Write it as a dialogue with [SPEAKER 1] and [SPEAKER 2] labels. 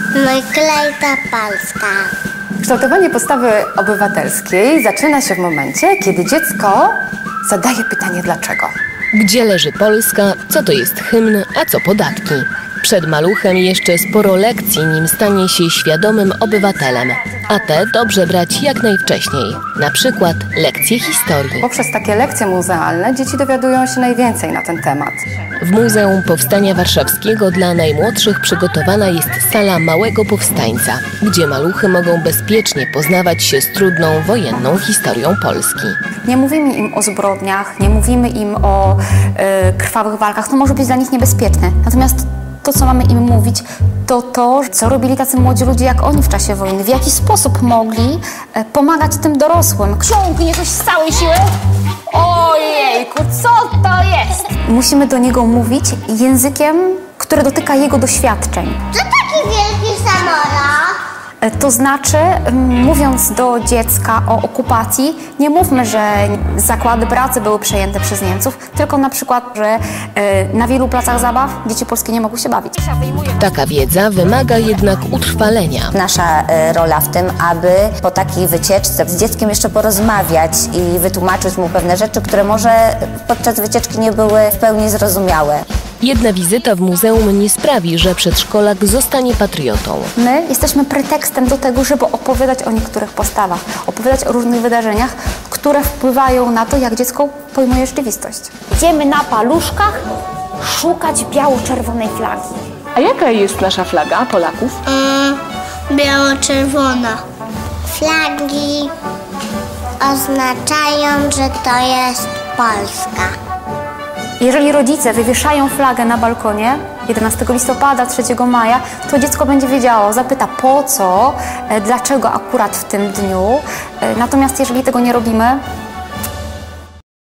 [SPEAKER 1] No i Klejta Polska.
[SPEAKER 2] Kształtowanie postawy obywatelskiej zaczyna się w momencie, kiedy dziecko zadaje pytanie dlaczego.
[SPEAKER 3] Gdzie leży Polska, co to jest hymn, a co podatki. Przed maluchem jeszcze sporo lekcji, nim stanie się świadomym obywatelem. A te dobrze brać jak najwcześniej. Na przykład lekcje historii.
[SPEAKER 2] Poprzez takie lekcje muzealne dzieci dowiadują się najwięcej na ten temat.
[SPEAKER 3] W Muzeum Powstania Warszawskiego dla najmłodszych przygotowana jest sala Małego Powstańca, gdzie maluchy mogą bezpiecznie poznawać się z trudną wojenną historią Polski.
[SPEAKER 4] Nie mówimy im o zbrodniach, nie mówimy im o krwawych walkach. To może być dla nich niebezpieczne. Natomiast to, co mamy im mówić, to to, co robili tacy młodzi ludzie jak oni w czasie wojny. W jaki sposób mogli pomagać tym dorosłym. Ciągnie coś z całej siły. Ojejku, co to jest? Musimy do niego mówić językiem, który dotyka jego doświadczeń.
[SPEAKER 1] Co taki wielki samolot?
[SPEAKER 4] To znaczy, mówiąc do dziecka o okupacji, nie mówmy, że zakłady pracy były przejęte przez Niemców, tylko na przykład, że na wielu placach zabaw dzieci polskie nie mogły się bawić.
[SPEAKER 3] Taka wiedza wymaga jednak utrwalenia.
[SPEAKER 5] Nasza rola w tym, aby po takiej wycieczce z dzieckiem jeszcze porozmawiać i wytłumaczyć mu pewne rzeczy, które może podczas wycieczki nie były w pełni zrozumiałe.
[SPEAKER 3] Jedna wizyta w muzeum nie sprawi, że przedszkolak zostanie patriotą.
[SPEAKER 4] My jesteśmy pretekstem do tego, żeby opowiadać o niektórych postawach, opowiadać o różnych wydarzeniach, które wpływają na to, jak dziecko pojmuje rzeczywistość. Idziemy na paluszkach szukać biało-czerwonej flagi.
[SPEAKER 2] A jaka jest nasza flaga Polaków?
[SPEAKER 1] Biało-czerwona. Flagi oznaczają, że to jest Polska.
[SPEAKER 4] Jeżeli rodzice wywieszają flagę na balkonie 11 listopada, 3 maja, to dziecko będzie wiedziało, zapyta po co, dlaczego akurat w tym dniu. Natomiast jeżeli tego nie robimy,